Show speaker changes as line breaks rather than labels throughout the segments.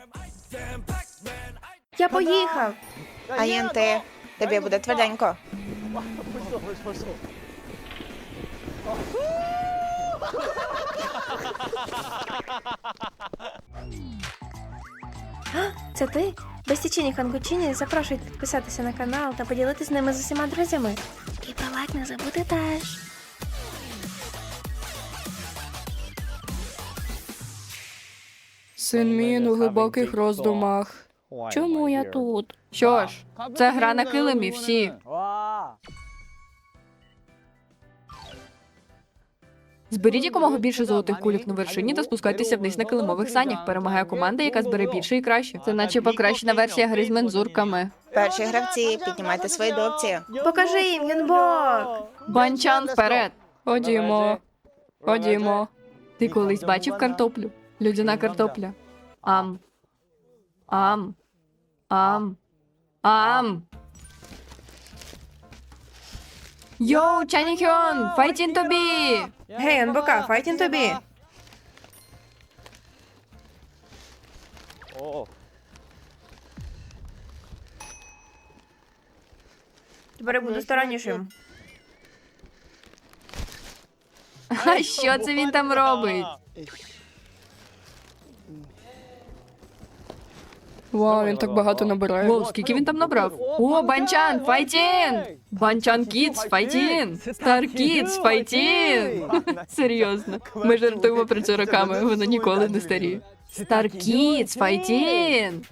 Я поїхав.
А єнти, тобі буде тверденько.
Це ти? Безтічені Хангучині запрошують підписатися на канал та поділитися з ними з усіма друзями. І про лайк не забути теж.
Син Мін у глибоких роздумах. Чому я тут? Що ж, це гра на килимі всі. Зберіть якомога більше золотих кульок на вершині та спускайтеся вниз на килимових санях. Перемагає команда, яка збере більше і краще. Це наче покращена версія гри з мензурками.
Перші гравці, піднімайте свої допці.
Покажи їм, Юнбок!
Банчан вперед! Ходімо. Ходімо. Ти колись бачив картоплю? Людяна картопля. Ам. Ам. Ам. Ам. Йоу, Чаніхьон, файтін тобі!
Гей, Юнбока, файтін тобі! Тепер я буду стараннішим.
А що це він там робить?
Вау, він так багато набирає.
Воу, скільки він там набрав? О, Банчан, файтін! Банчан Кідс, файтін! Стар Кідс, файтін! Серйозно. Ми жартуємо про це роками, воно ніколи не старіє. Стар Кідс, файтін!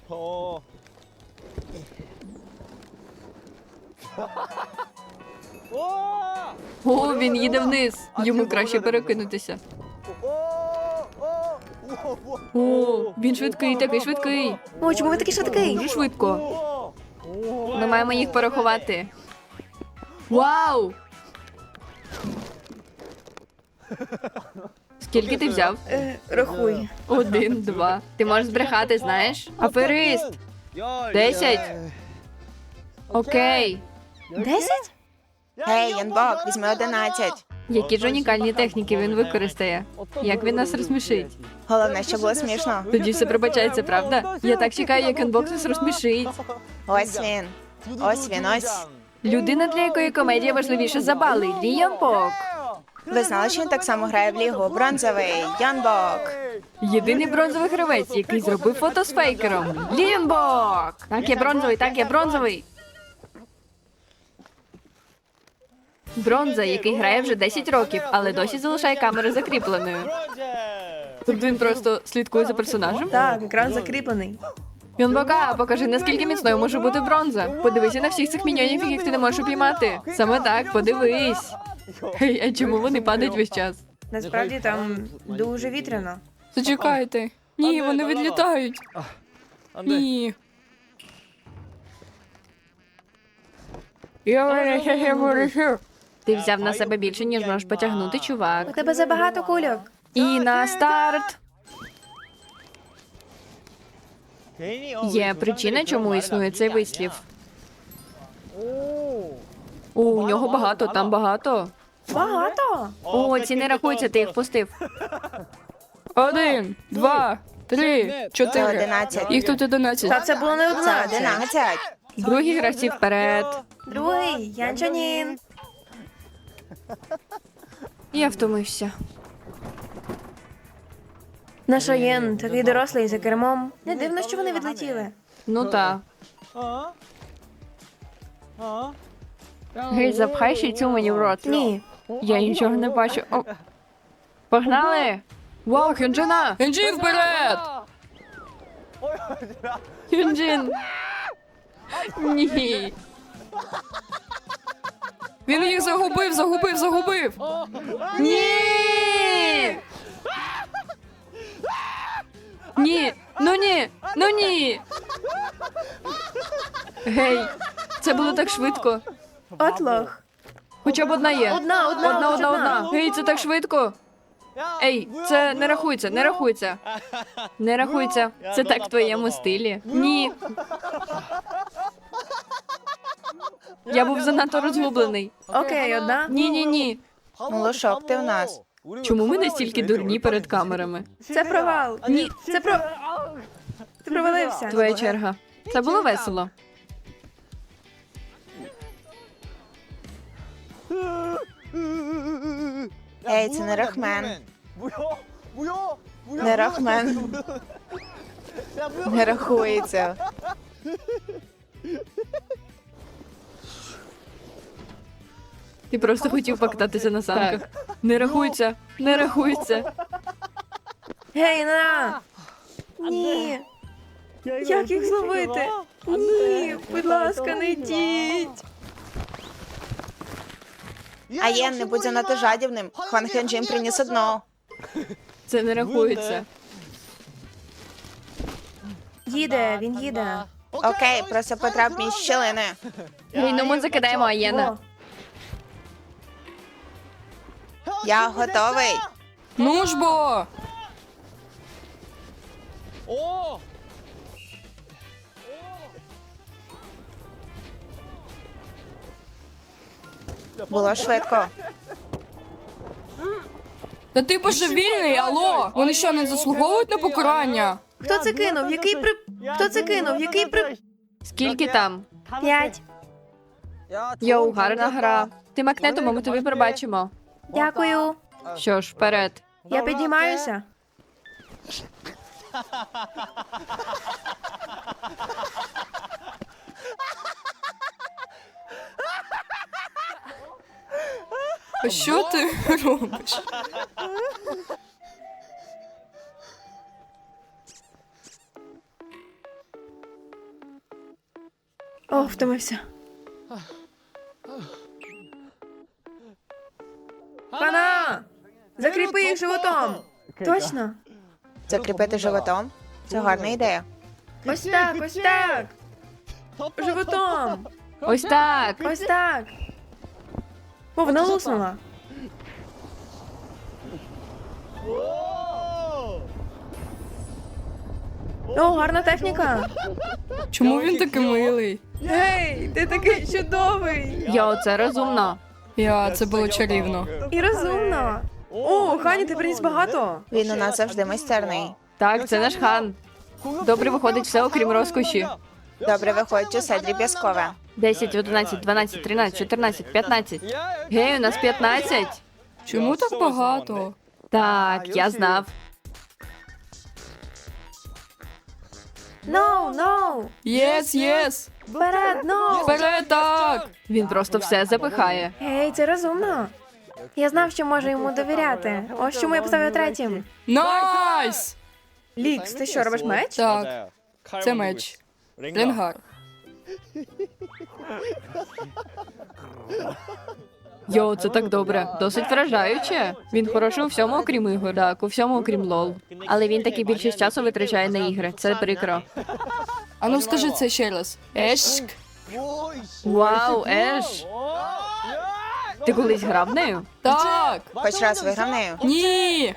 О, він їде вниз. Йому краще перекинутися. О, він швидкий, такий швидкий.
О, чому ви такий швидкий?
Дуже швидко. Ми маємо їх порахувати. Вау! Скільки ти взяв?
Рахуй.
1, 2. Ти можеш збрехати, знаєш? Аферист! 10. Окей.
10?
Гей, Янбок, візьми 11.
Які ж унікальні техніки він використає? Як він нас розсмішить?
Головне, щоб було смішно.
Тоді все пробачається, правда? Я так чекаю, як Unbox нас розсмішить.
Ось він. Ось він, ось.
Людина, для якої комедія важливіша за бали. Ліон Бок.
Ви знали, що він так само грає в лігу? Бронзовий. Янбок.
Єдиний бронзовий гравець, який зробив фото з фейкером. Ліон Бок. Так, я бронзовий, так, я бронзовий. Бронза, який грає вже 10 років, але досі залишає камеру закріпленою. Тобто він просто слідкує за персонажем?
Так, екран закріплений.
Юнбока, покажи, наскільки міцною може бути бронза. Подивися на всіх цих міньйонів, яких ти не можеш упіймати. Саме так, подивись. Гей, а чому вони падають весь час?
Насправді там дуже вітряно.
Зачекайте. Ні, вони відлітають. Ні.
Ти взяв на себе більше, ніж можеш потягнути,
У
чувак.
тебе забагато кульок.
І на старт. Є причина, чому існує цей вислів. О, у нього багато, там багато.
Багато?
О, ці не рахуються, ти їх пустив.
1, 2, 3,
Це
4.
11.
Їх тут 11.
Та це було не
Це
11.
11.
Другі гравці вперед.
Другий, Янчанін.
Я втомився.
Наш Єн такий дорослий за кермом. Не дивно, що вони відлетіли.
Ну та. Гей, запхай ще цю мені в рот.
Ні.
Я нічого не бачу. О. Погнали! Вау, Хюнджина!
Енджі вперед!
Хюнджин! Ні.
Він їх загубив!
Ні! Ні! Ну ні! Ну ні! Гей, це було так швидко.
От лох.
Хоча б одна є.
Одна.
Одна. Гей, це так швидко. Ей, це не рахується, не рахується. Не рахується. Це так в твоєму стилі. Ні. Я був занадто розгублений.
Окей, одна.
Ні.
Лошок, ти в нас.
Чому ми настільки дурні перед камерами?
Це провал.
Ні.
Це про... Ти провалився.
Твоя черга. Це було весело.
Ей, це не Рахмен. Не Рахмен. Не рахується.
Ти просто хотів покататися на санках. Не рахується, не рахується.
Гей, на! Ні. Як їх зловити? Ні, будь ласка, не йдіть.
Аєн, не будь занадто жадібним. Хван Хьонджін приніс одно.
Це не рахується.
Їде, він їде.
Окей, просто потрап між щілини.
Гей, ну ми закидаємо Аєна.
О,
Я готовий.
Ну ж бо!
Було швидко.
Та ти божевільний, алло! Вони що, не заслуговують на покарання?
хто це кинув? Хто це кинув?
Скільки там?
5.
Йоу, гарна гра. Ти макнетимо, ми тобі пробачимо.
Дякую.
Що ж, вперед.
Я піднімаюся.
А що ти робиш?
О, втомився. Хана! Закріпи їх животом. Точно.
Закріпити животом? Це гарна ідея.
Ось так, ось так. Животом.
Ось так.
Ось так. О, вона луснула. О, гарна техніка.
Чому він такий милий?
Гей, ти такий чудовий.
Йоу, це розумно.
Це було чарівно.
І розумно. О, Хані, ти приніс багато.
Він у нас завжди майстерний.
Так, це наш хан. Добре виходить все, окрім розкоші.
Добре виходить усе дріб'язкове.
10, 11, 12, 13, 14, 15. Гей, у нас 15.
Чому так багато?
Так, я знав.
No.
Єс!
Вперед, no.
Вперед, так!
Він просто все запихає.
Гей, це розумно. Я знав, що можу йому довіряти. Ось чому я поставив третім.
Найс!
Лікс, ти що, робиш меч?
Так, це меч. Ренгар.
Йоу, це так добре. Досить вражаюче. Він хороший у всьому, окрім ігор. Так, у всьому, окрім лол. Але він таки більшість часу витрачає на ігри. Це прикро.
А ну скажи це ще раз. Ешк.
Вау, Еш! Ти колись грав нею?
Так!
Хоч раз виграв нею.
Ні!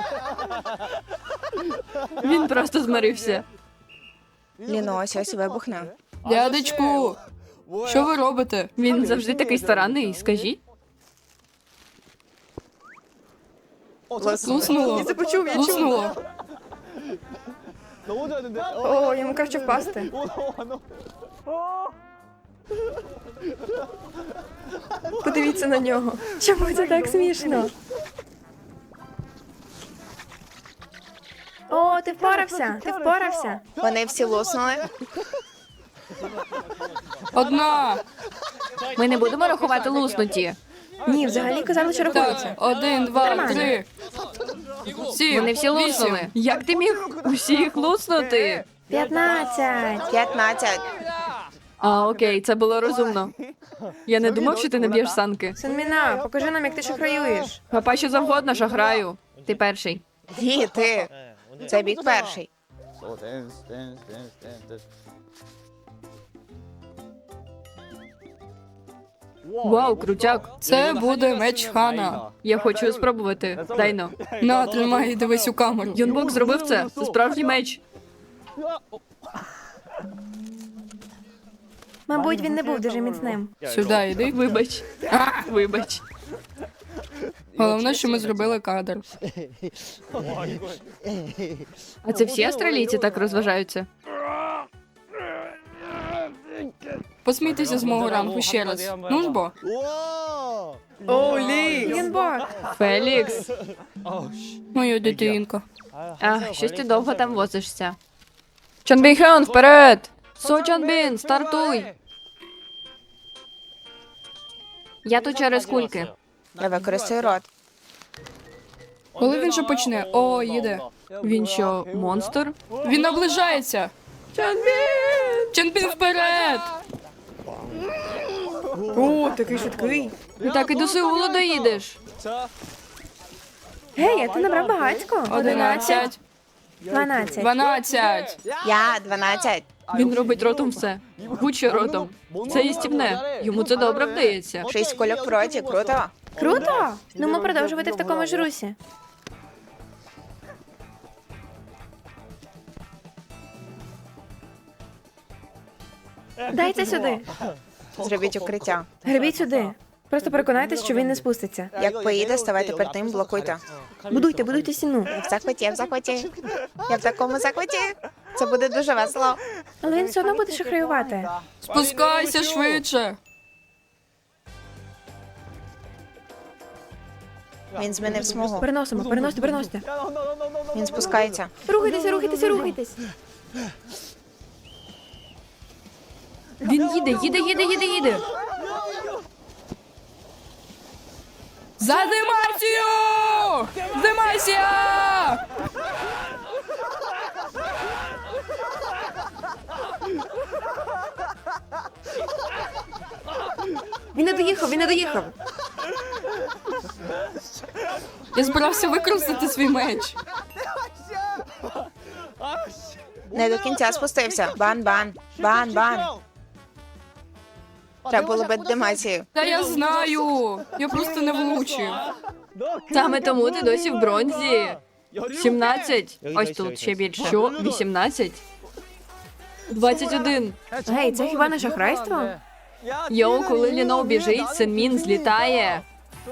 Він просто змирився.
Ліно ось вибухне.
Дядечку! Що ви робите?
Він завжди такий старанний, скажіть.
Луснуло.
Це почув, я чув.
Луснуло.
О, йому краще впасти. Подивіться на нього. Чому це так смішно? О, ти впорався, ти впорався.
Вони всі луснули.
Одна.
Ми не будемо рахувати луснуті.
Ні, взагалі казали, що
Так,
рахується.
1, 2,
Нормально.
3. 7,
Вони всі луснули. Як ти міг усіх луснути?
15.
15.
А, окей, це було розумно. Я не думав, що ти не б'єш санки.
Синміна, покажи нам, як ти шахраюєш.
Папа, що завгодно, шахраю. Ти перший.
Ні, ти. Це бік перший.
Вау, крутяк.
Це буде меч хана.
Я хочу спробувати. Дайно.
На, тримай і дивись у камеру.
Юнбок зробив це. Це справжній меч.
Мабуть, він не був дуже міцним.
Сюди йди.
Вибач. Вибач.
Головне, що ми зробили кадр.
А це всі австралійці так розважаються?
Посмійтеся з мого ранку ще раз. Ну ж бо.
Юнбок!
Фелікс.
Моя дитинка.
А, щось ти довго там возишся. Чонбін Хьон, вперед! Со Чонбін, стартуй! Я тут через кульки.
Я використаю рот.
Коли він же почне? О, їде.
Він що, монстр?
Він наближається. Чонбін! Чонбін вперед!
О, такий швидкий.
Так і до Сеулу доїдеш.
Гей, а ти набрав багатько.
11,
12.
12.
Я 12.
Він робить ротом все. Будь-що ротом. Це їстівне. Йому це добре вдається.
6 кульок в роті, круто.
Круто! Ну ми продовжувати в такому ж русі. Дайте сюди.
Зробіть укриття.
Гребіть сюди. Просто переконайтесь, що він не спуститься.
Як поїде, ставайте перед тим, блокуйте.
Будуйте стіну.
Я в захваті, я в захваті. Я в такому захваті. Це буде дуже весело.
Але він все одно буде шахраювати.
Спускайся швидше.
Він змінив смугу.
Переносите.
Він спускається.
Рухайтесь.
Він їде.
За Демасію! Демасія!
Він не доїхав.
Я збирався використати свій меч.
Не до кінця спустився. Бан. Треба було бити Демасію.
Та я знаю. Я просто не влучив.
Саме тому ти досі в бронзі. 17. Ось тут ще більше. Що? 18? 21.
Гей, це хіба не шахрайство?
Йоу, коли Ліно біжить, Синмін злітає.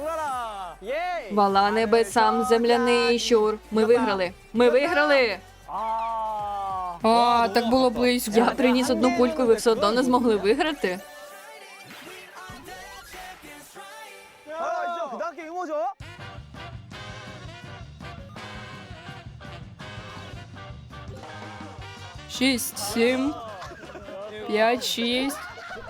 Вала небесам, земляний щур. Ми виграли.
А, так було близько.
Я приніс одну кульку, і ви все одно не змогли виграти.
Шість, 7, 5, 6.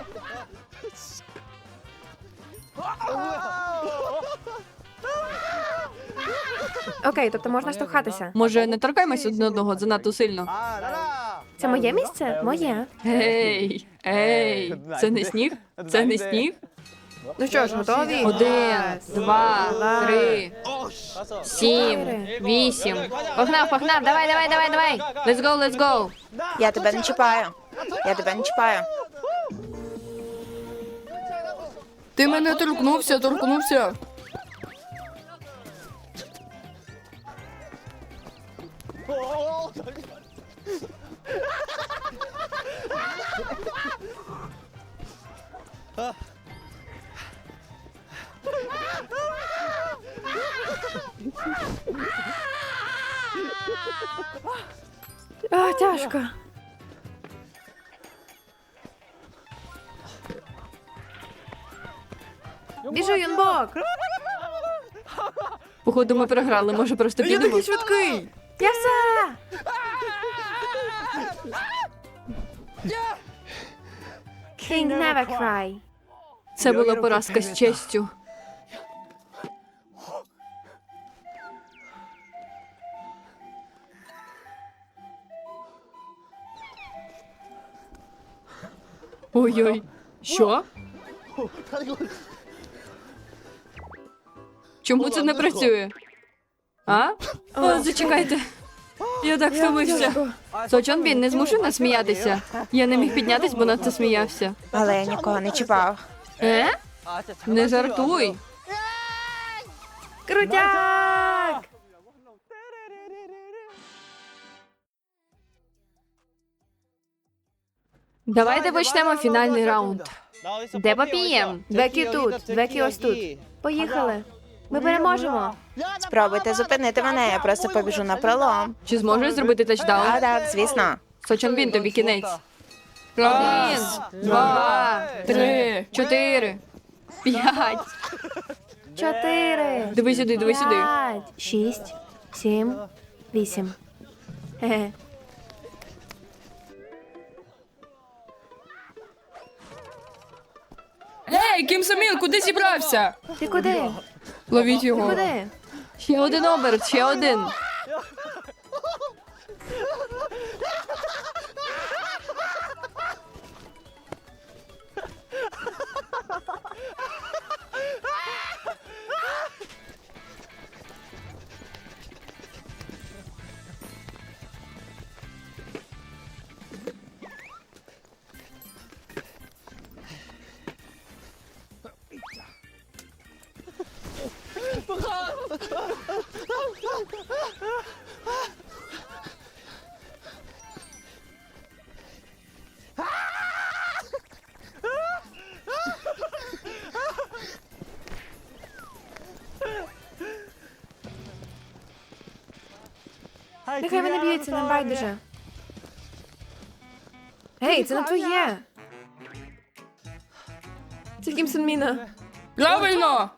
Окей, тобто можна штовхатися.
Може, не торкаємось один одного занадто сильно?
Це моє місце? Моє.
Ей, це не сніг? Це не сніг?
Ну що ж, готові?
1, 2, 3, 7, 8. Погнав, давай. Let's go.
Я тебе не чіпаю.
Ти мене торкнувся.
А, тяжко. Біжу, Юнбок!
Походу, ми програли, може просто підемо?
швидкий.
Я все! King never cry.
Це була поразка з честю. Ой-ой. Що? Чому це не працює? А? О, зачекайте. Я так втомився. Сочонбін, не змушуй нас сміятися. Я не міг піднятись, бо надто сміявся.
Але я нікого не чіпав.
Не жартуй.
Крутяк!
Давайте почнемо фінальний раунд. Де попієм?
Бекі тут, Бекі ось тут. Поїхали. Ми переможемо.
Спробуйте зупинити мене, я просто побіжу на пролом.
Чи зможеш зробити тачдаун?
Так, звісно.
Сочонбін, тобі кінець.
Раз,
1, 2,
3.
4, 5.
4,
Диви сюди, диви сюди.
5, 6, 7, 8. Хе-хе.
Ей, Кім Сомін, куди зібрався?
Ти куди?
Ловіть
Ти
його.
куди?
Ще один оберт, ще один.
Нехай вони б'ються, нам байдуже. Гей, це не твоє. Це Кім Сон Міна.
Правильно!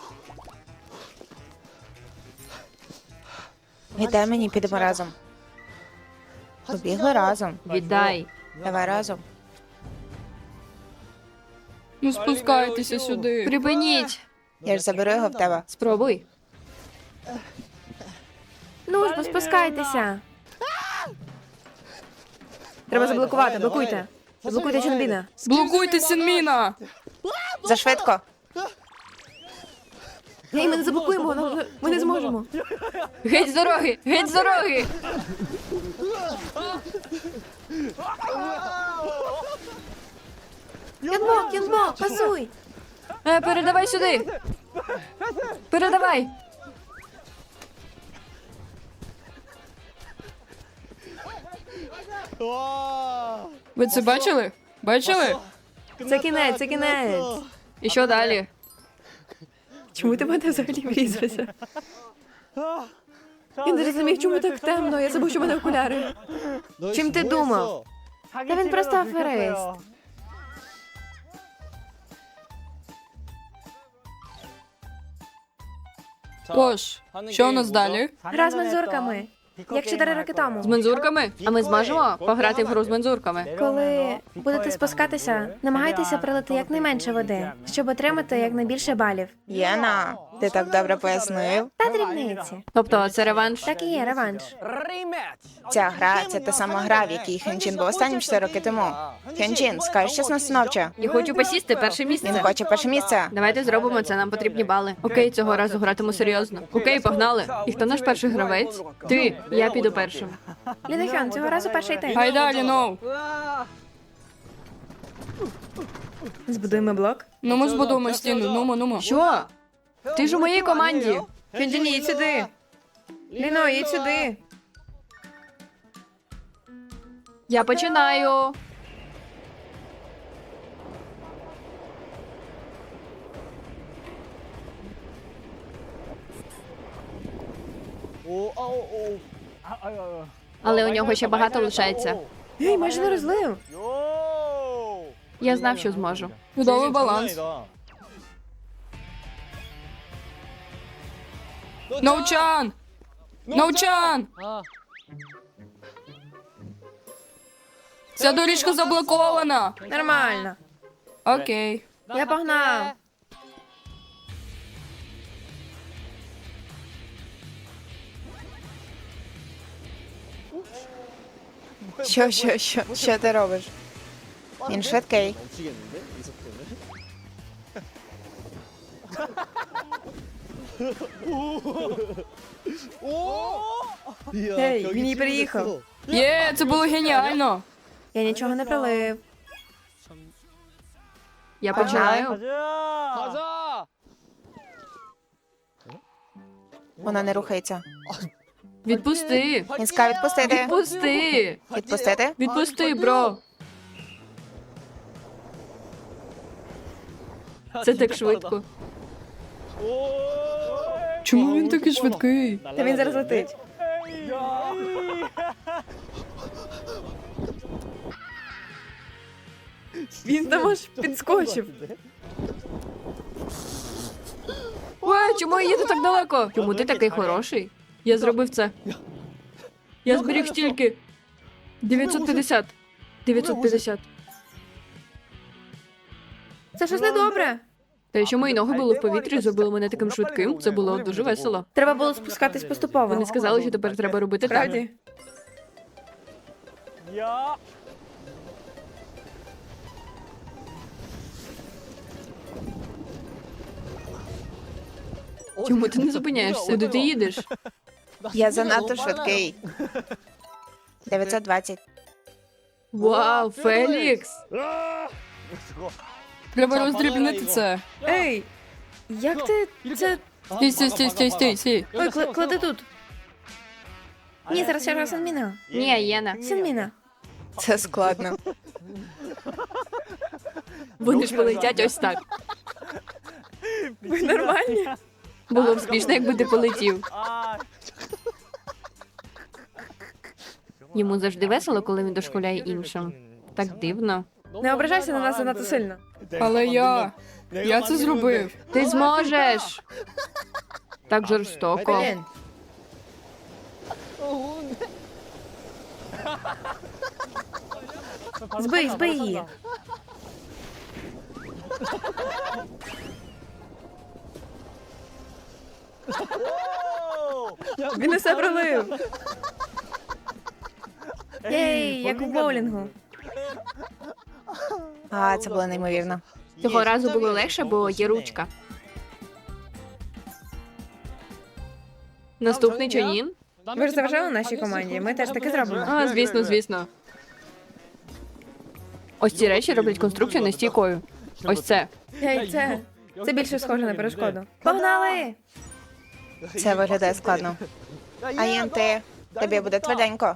Віддай мені, підемо разом. Побігли разом.
Віддай.
Давай разом.
Ну спускайтеся сюди.
Припиніть.
Я ж заберу його в тебе.
Спробуй.
Ну ж, бо спускайтеся. Треба заблокувати, блокуйте. Заблокуйте Чонбіна.
Блокуйте Сінміна!
Зашвидко.
Гей, ми не заблокуємо, ми не зможемо.
Геть з дороги! Геть з дороги!
Янбок, Янбок, пасуй.
Передавай сюди! Передавай!
Ви це бачили? Бачили?
Це кінець, це кінець.
І що далі?
Чому ти в мене взагалі врізався? Я не розумів, чому так темно. Я забув, що в мене окуляри. Чим ти думав? Та він просто аферист.
Тож, що у нас далі?
Гра з мензурками. Як 4 роки тому.
З мензурками? А ми зможемо пограти в гру з мензурками?
Коли будете спускатися, намагайтеся пролити якнайменше води, щоб отримати якнайбільше балів.
Єна, ти так добре пояснив.
Та дрібниці.
Тобто це реванш?
Так і є реванш.
Ця гра це та сама гра, в якій Хенджін був останнім 4 роки тому. Хенджін, скажеш щось настановче.
Я хочу посісти перше
Він
місце.
хоче перше місце.
Давайте зробимо це, нам потрібні бали. Окей, цього разу гратиму серйозно. Окей, погнали. І хто наш перший гравець? Ти, я піду першим.
Лінохьон, цього разу перший ти.
Гайда, Ліноу.
Збудуємо блок.
Ну ми збудуємо стіну, нумо.
Що? Ти ж у моїй команді.
Хьонджін, їдь сюди. Ліно, їдь сюди.
Я починаю. Але у нього ще багато лишається.
Гей, майже не розлив.
Я знав, що зможу.
Чудовий баланс. Ноучан! Ноучан! Ця доріжка заблокована.
Нормально.
Окей.
Я погнав.
Що ти робиш? Він швидкий.
Гей, він її переїхав.
Є, це було геніально.
Я нічого не пролив.
Я починаю.
Вона не рухається.
Відпусти.
Він сказав відпустити.
Відпусти.
Відпустити?
Відпусти, бро. Це так швидко.
Чому він такий швидкий?
Та він зараз летить.
Він там аж підскочив.
Ой, чому я їду так далеко? Чому ти такий хороший? Я зробив це. Я зберіг стільки. 950. 950.
Це щось недобре.
Те, що мої ноги були в повітрі, зробило мене таким швидким. Це було дуже весело.
Треба було спускатись поступово.
Вони сказали, що тепер треба робити так.
Правді?
Чому ти не зупиняєшся? Куди ти їдеш?
Я занадто швидкий. 920.
Вау, Фелікс!
Треба роздрібнити це.
Ей, як ти це.
Стій.
Ой, клади тут. Ні, зараз ще раз Сінміна.
Ні, Єна.
Сінміна.
Це складно.
Вони ж полетять ось так.
Ви нормальні?
Було б смішно, якби ти полетів. Йому завжди весело, коли він дошкуляє іншим. Так дивно.
Не ображайся на нас занадто сильно.
Але я це зробив.
Ти зможеш! Так жорстоко.
Блін. Збий її. Він усе пролив. Єй, як у боулінгу.
А, це було неймовірно.
Цього разу було легше, бо є ручка. Наступний Чонін?
Ви ж заважали нашій команді, ми теж таки зробимо.
А, звісно, звісно. Ось ці речі роблять конструкцію нестійкою. Ось це.
Ей, це більше схоже на перешкоду. Погнали!
Це виглядає складно. Аєн, тобі буде тверденько.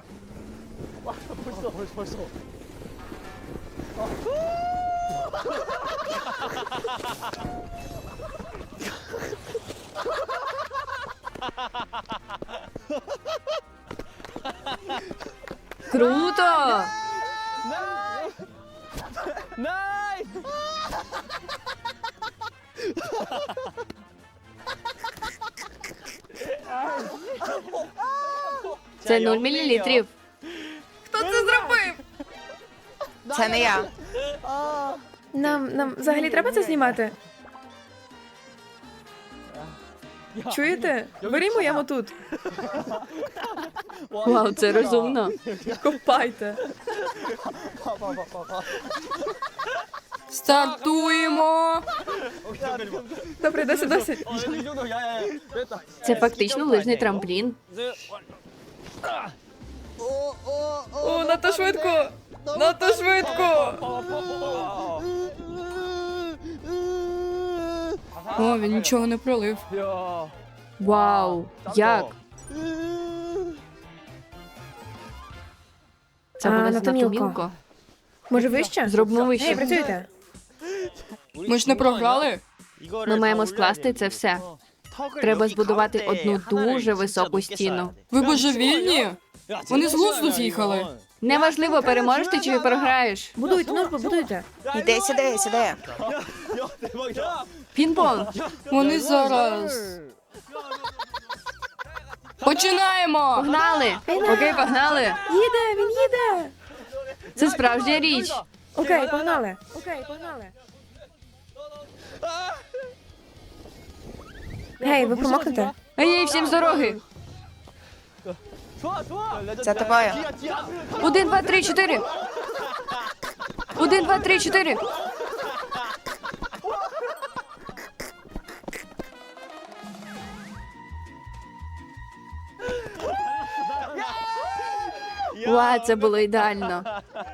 Круто! Це 0 мілілітрів.
Хто це зробив?
Це не я.
Нам взагалі треба це знімати? Чуєте? Берімо яму тут.
Вау, це розумно.
Копайте.
Стартуємо!
Добре, досить.
Це фактично лижний трамплін.
О, надто швидко! Надто швидко!
О, він нічого не пролив.
Вау, як? Це буде
надто
занадто
мілко.
мілко.
Може вище?
Зробимо
Ей,
вище.
працюйте.
Ми ж не програли?
Ми маємо скласти це все. Треба збудувати одну дуже високу стіну.
Ви божевільні? Вони з глузду з'їхали.
Неважливо, переможеш ти чи програєш.
Будуйте, ну ж побудуйте.
Іди сюди.
Пінг-понг.
Вони зараз. Починаємо!
Погнали! Окей, погнали!
Їде, він їде!
Це справжня річ.
Окей, погнали. Гей, ви промокнете?
Ей, всім з дороги!
За тобою.
1, 2, 3, 4. 1, 2, 3, 4. Ва, це було ідеально.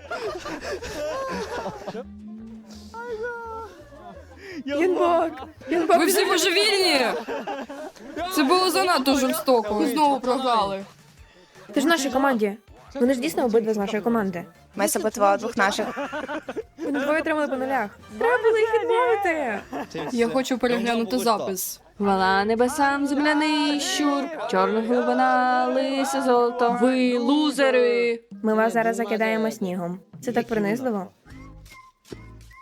Юнбок!
Ви всі божевільні! Це було занадто жорстоко. Ви знову програли.
Ти ж в нашій команді. Вони ж дійсно обидва з нашої команди.
Ми саботували двох наших.
Вони двоє тримали по нулях. Треба було їх відмовити.
Я хочу переглянути запис.
Хвала небесам, земляний щур, чорна глибина, лисе золото. Ви лузери!
Ми вас зараз закидаємо снігом. Це так принизливо.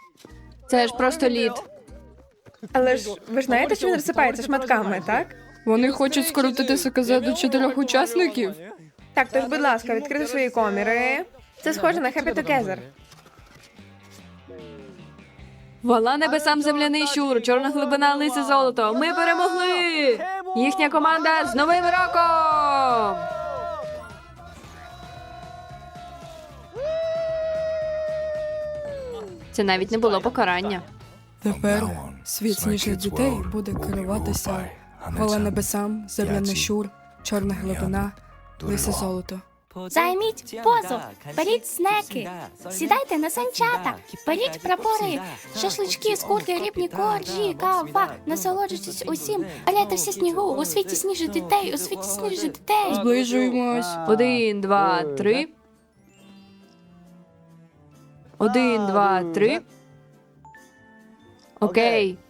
Це ж просто лід.
Але ж ви ж знаєте, що він розсипається шматками, так?
Вони хочуть скоротити СКЗ до 4 учасників.
Так, тож, будь ласка, відкрити свої коміри. Це схоже на Happy Together.
Вала небесам земляний щур, чорна глибина, лисе золото. Ми перемогли! Їхня команда з Новим роком! Це навіть не було покарання.
Тепер світ сніжних дітей буде керуватися хвала небесам, земляний щур, чорна глибина, лисе золото.
Займіть позу, беріть снеки, сідайте на санчата, беріть прапори, шашлички, скурки, рибні коржі, кава, насолоджуйтесь усім, паляйте всі снігу, у світі сніжних дітей, у світі сніжних дітей.
Зближуємось.
1, 2, 3. 1, 2, 3. Окей.